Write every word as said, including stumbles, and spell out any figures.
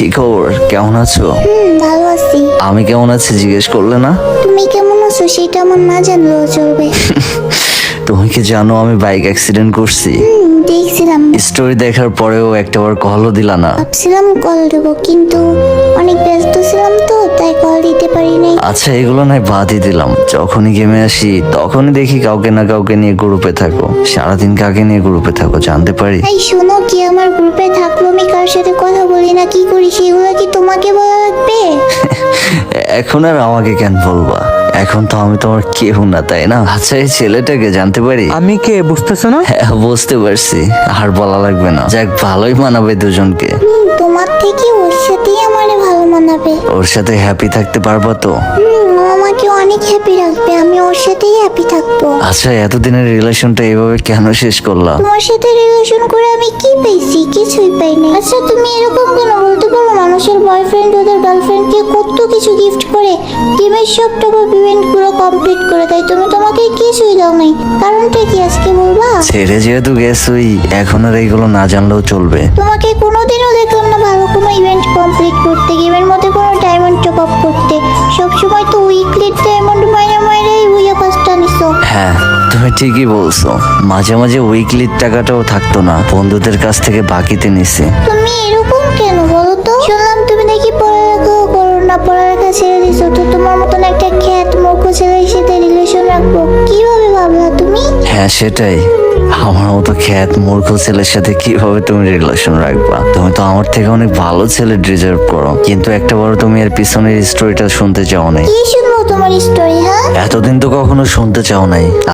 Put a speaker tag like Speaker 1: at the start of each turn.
Speaker 1: কি খবর, কেমন আছো?
Speaker 2: হুম, ভালো আছি।
Speaker 1: আমি কেমন আছি জিজ্ঞেস করলে না?
Speaker 2: তুমি কেমন আছো সেটা আমার না জানলেও চলবে।
Speaker 1: তুমি কি জানো আমি বাইক অ্যাক্সিডেন্ট করছি?
Speaker 2: হুম, দেখছিলাম।
Speaker 1: স্টোরি দেখার পরেও একটাবার কলও দিলা না।
Speaker 2: ভাবছিলাম কল দেবো, কিন্তু অনেক ব্যস্ত ছিলাম তো, তাই কল দিতে পারি নাই।
Speaker 1: আচ্ছা এগুলো নয় বাদই দিলাম, যখনই গেমে আসি তখনই দেখি কাউকে না কাউকে নিয়ে গ্রুপে থাকো। সারাদিন কাকে নিয়ে গ্রুপে থাকো জানতে পারি?
Speaker 2: এই শোনো, কি আমার গ্রুপে থাকলো আমি কার সাথে কথা বলি না কি করি সেগুলো কি তোমাকে বলা লাগবে?
Speaker 1: এখন আর আমাকে কেন বলবা? এখন তো আমি তোমার কেউ না, তাই না? আচ্ছা এই ছেলেটাকে জানতে পারি?
Speaker 3: আমি কে বুঝতেছো না?
Speaker 1: হ্যাঁ বুঝতে পারছি, আর বলা লাগবে না। যাক ভালোই মানাবে দুজনকে।
Speaker 2: হুম, তোমার থেকে ওর সাথেই আমারে ভালো মানাবে।
Speaker 1: ওর সাথে হ্যাপি থাকতে পারবা তো?
Speaker 2: হুম, ও আমাকে অনেক হ্যাপি রাখবে, আমি ওর সাথেই হ্যাপি থাকবো।
Speaker 1: আচ্ছা এতদিনের রিলেশনটা এইভাবে কেন শেষ করলা?
Speaker 2: তোমার সাথে রিলেশন করে আমি কি পেয়েছি? কিছুই পাই নাই। আচ্ছা তুমি এরকম কেন বলতে পারো? মানুষের বয়ফ্রেন্ড ওদের গার্লফ্রেন্ডকে কত কিছু গিফট করে, গেমের সব টপ ইভেন্ট গুলো কমপ্লিট করে দেয়, তুমি তোমাকে কিছুই দাও নাই। কারণটা কি আজকে বলবা?
Speaker 1: ছেড়ে যেহেতু গেছই, এখন আর এইগুলো না জানলেও চলবে।
Speaker 2: তোমাকে কোনোদিনও দেখলাম না ভালো কোনো ইভেন্ট কমপ্লিট করতে, গেমের মধ্যে কোনো ডায়মন্ড টপ আপ করতে। সবসময় তো উইকলি ডায়মন্ড মাইনে মাইনেই উইয়া পাঁচটা নিছো।
Speaker 1: হ্যাঁ তুমি ঠিকই বলছো, মাঝে মাঝে উইকলির টাকাটাও থাকতো না, বন্ধুদের কাছ থেকে বাকিতে নিছে।
Speaker 2: তুমি এরকম কেন বলো তো? শুনলাম তুমি নাকি পড়ালেখাও করো না, পড়ালেখা ছেড়ে দিছো, তো তোমার মতন একটা খ্যাত মূর্খ ছেলের সাথে রিলেশন রাখবো কিভাবে ভাবলা তুমি?
Speaker 1: হ্যাঁ সেটাই, আমার মতো খ্যাত মূর্খ ছেলের সাথে কিভাবে তুমি রিলেশন রাখবা? তুমি তো আমার থেকে অনেক ভালো ছেলে ডিজার্ভ করো, কিন্তু একটা বড় তুমি এর পিছনের স্টোরিটা শুনতে চাও নাই।
Speaker 2: কি শুনবো তোমার স্টোরি? হ্যাঁ,
Speaker 1: এতদিন তো কখনো শুনতে চাও নাই।